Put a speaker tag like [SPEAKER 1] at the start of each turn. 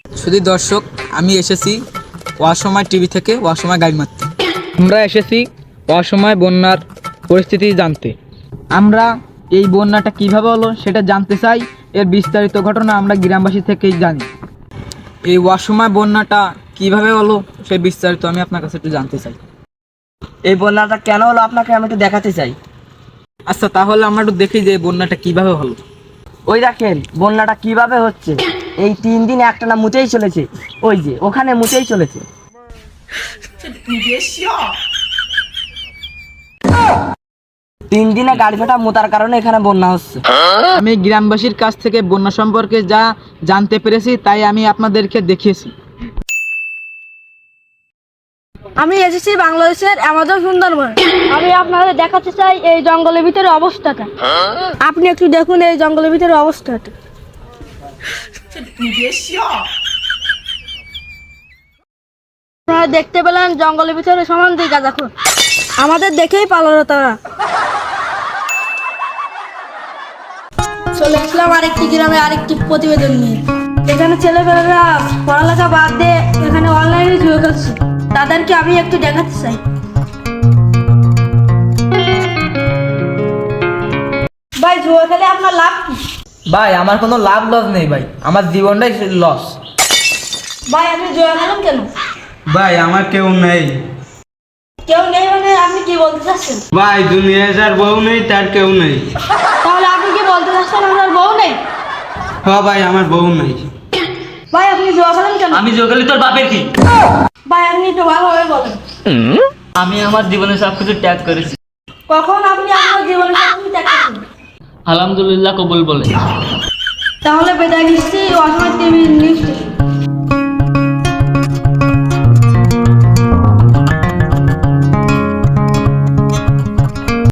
[SPEAKER 1] শুধু দর্শক, আমি এসেছি অসময় টিভি থেকে অসময় গাড়ি মারতে। আমরা এসেছি অসময় বন্যার পরিস্থিতি জানতে। আমরা এই বন্যাটা কিভাবে হলো সেটা জানতে চাই। এর বিস্তারিত ঘটনা আমরা গ্রামবাসী থেকেই জানি। এই অসময় বন্যাটা কিভাবে হলো সেই বিস্তারিত আমি আপনার কাছে একটু জানতে চাই।
[SPEAKER 2] এই বন্যাটা কেন হলো আপনাকে আমি একটু দেখাতে চাই।
[SPEAKER 1] আচ্ছা, তাহলে আমরা একটু দেখি যে বন্যাটা কিভাবে হলো।
[SPEAKER 2] ওই দেখেন বন্যাটা কিভাবে হচ্ছে। এই 3 দিন একটানা মুতেই চলেছে, ওই যে ওখানে মুতেই চলেছে। 3 দিনে গাড়ি ফাটা মোতার কারণে এখানে বন্যা হচ্ছে।
[SPEAKER 1] আমি গ্রামবাসীর কাছ থেকে বন্যা সম্পর্কে যা জানতে পেরেছি তাই আমি আপনাদেরকে দেখিয়েছি।
[SPEAKER 3] আমি এসেছি বাংলাদেশের অ্যামাজন সুন্দরবন। আমি আপনাদের দেখাতে চাই এই জঙ্গলের ভিতরে অবস্থাটা। আপনি একটু দেখুন এই জঙ্গলের ভিতরে অবস্থাটা। আপনারা দেখতে পেলেন জঙ্গলের ভিতরে সমান দিকে দেখুন, আমাদের দেখেই পালালো তারা। চলে আসলাম আরেকটি গ্রামে আরেকটি প্রতিবেদন নিয়ে। এখানে ছেলেমেয়েরা পড়ালেখা বাদ দিয়ে এখানে অনলাইনে জুয়ে খেলছে, তাদেরকে আমি একটু দেখাতে চাই। ভাই, জুয়া খেলে আপনার লাভ কি?
[SPEAKER 1] ভাই, আমার কোনো লাভ লস নেই ভাই, আমার জীবনটাই লস।
[SPEAKER 3] ভাই, আপনি জুয়া খেলেন কেন?
[SPEAKER 4] ভাই আমার কেউ নেই।
[SPEAKER 3] কেউ নেই মানে আপনি কি বলতে চাচ্ছেন?
[SPEAKER 4] ভাই দুনিয়ায় যার বউ নেই তার কেউ নেই।
[SPEAKER 3] তাহলে আপনি কি বলতে চাচ্ছেন আপনার বউ নেই?
[SPEAKER 4] হ্যাঁ ভাই, আমার বউ নেই।
[SPEAKER 3] ভাই, আপনি জুয়া খেলেন কেন?
[SPEAKER 5] আমি যোগালি তোর বাপের কি?
[SPEAKER 3] ভাই, আপনি একটু ভালোভাবে বলেন।
[SPEAKER 5] আমি আমার জীবনে সবকিছু ত্যাগ করেছি।
[SPEAKER 3] কখন আপনি আপনার জীবনে সবকিছু ত্যাগ করেছেন?
[SPEAKER 5] আলহামদুলিল্লাহ কবুল বলে।
[SPEAKER 3] তাহলে বিদায় নিচ্ছি অসময় টিভি নিউজ।